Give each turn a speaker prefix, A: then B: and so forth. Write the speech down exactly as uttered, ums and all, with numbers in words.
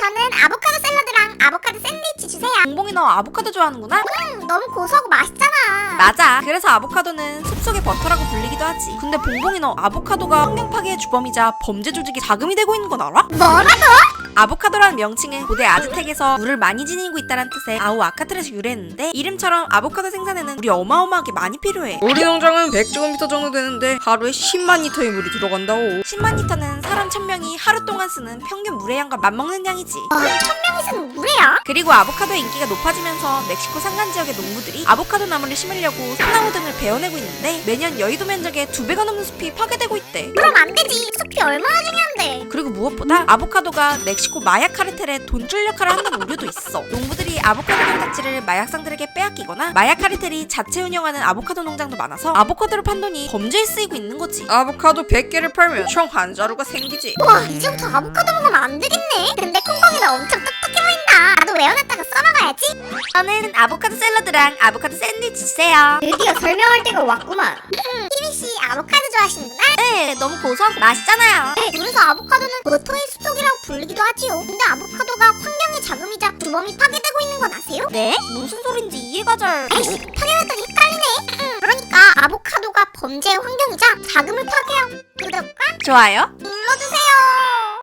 A: 저는 아보카도 샐러드랑 아보카도 샌드위치 주세요.
B: 봉봉이 너 아보카도 좋아하는구나?
A: 음, 너무 고소하고 맛있잖아.
B: 맞아. 그래서 아보카도는 숲속의 버터라고 불리기도 하지. 근데 봉봉이 너 아보카도가 환경 파괴의 주범이자 범죄 조직의 자금이 되고 있는 건 알아?
A: 뭐라고?
B: 아보카도라는 명칭은 고대 아즈텍에서 물을 많이 지니고 있다는 뜻의 아우아카트에서 유래했는데, 이름처럼 아보카도 생산에는 물이 어마어마하게 많이 필요해.
C: 우리 농장은 백 제곱미터 정도 되는데 하루에 십만 리터의 물이 들어간다오.
B: 십만 리터는 사람 천 명이 하루 동안 쓰는 평균 물의 양과 맞먹는 양이지.
A: 어, 천 명이 쓰는 물이야?
B: 그리고 아보카도의 인기가 높아지면서 멕시코 산간 지역의 농부들이 아보카도 나무를 심으려고 소나무 등을 베어내고 있는데, 매년 여의도 면적의 두 배가 넘는 숲이 파괴되고 있대.
A: 그럼 안 되지. 숲이 얼마나 중요한데.
B: 그리고 무엇보다 아보카도가 멕시코 마약 카르텔의 돈줄 역할을 한다는 우려도 있어. 농부들이 아보카도 농작지를 마약상들에게 빼앗기거나 마약 카르텔이 자체 운영하는 아보카도 농장도 많아서 아보카도를 판 돈이 범죄에 쓰이고 있는 거지.
C: 아보카도 백 개를 팔면 총 한 자루가 생기지.
A: 와, 이제부터 아보카도 먹으면 안 되겠네. 근데 콩콩이가 엄청 똑똑해 보인다. 나도 외워놨다가 써먹어야지.
B: 저는 아보카도 샐러드랑 아보카도 샌드위치 주세요.
A: 드디어 설명할 때가 왔구만. 음, 희미씨 아보카도 좋아하시는구나?
B: 네, 너무 고소하고 맛있잖아요.
A: 네, 그래서 아보카도는 버터의 숲속이라고 불리기도 하지요. 근데 아보카도가 환경의 자금이자 주범이 파괴되고 있는 건 아세요?
B: 네? 무슨 소린지 이해가 잘...
A: 에이씨, 파괴했더니 헷갈리네. 음, 그러니까 아보카도가 범죄의 환경이자 자금을 파괴하고. 구독과
B: 좋아요?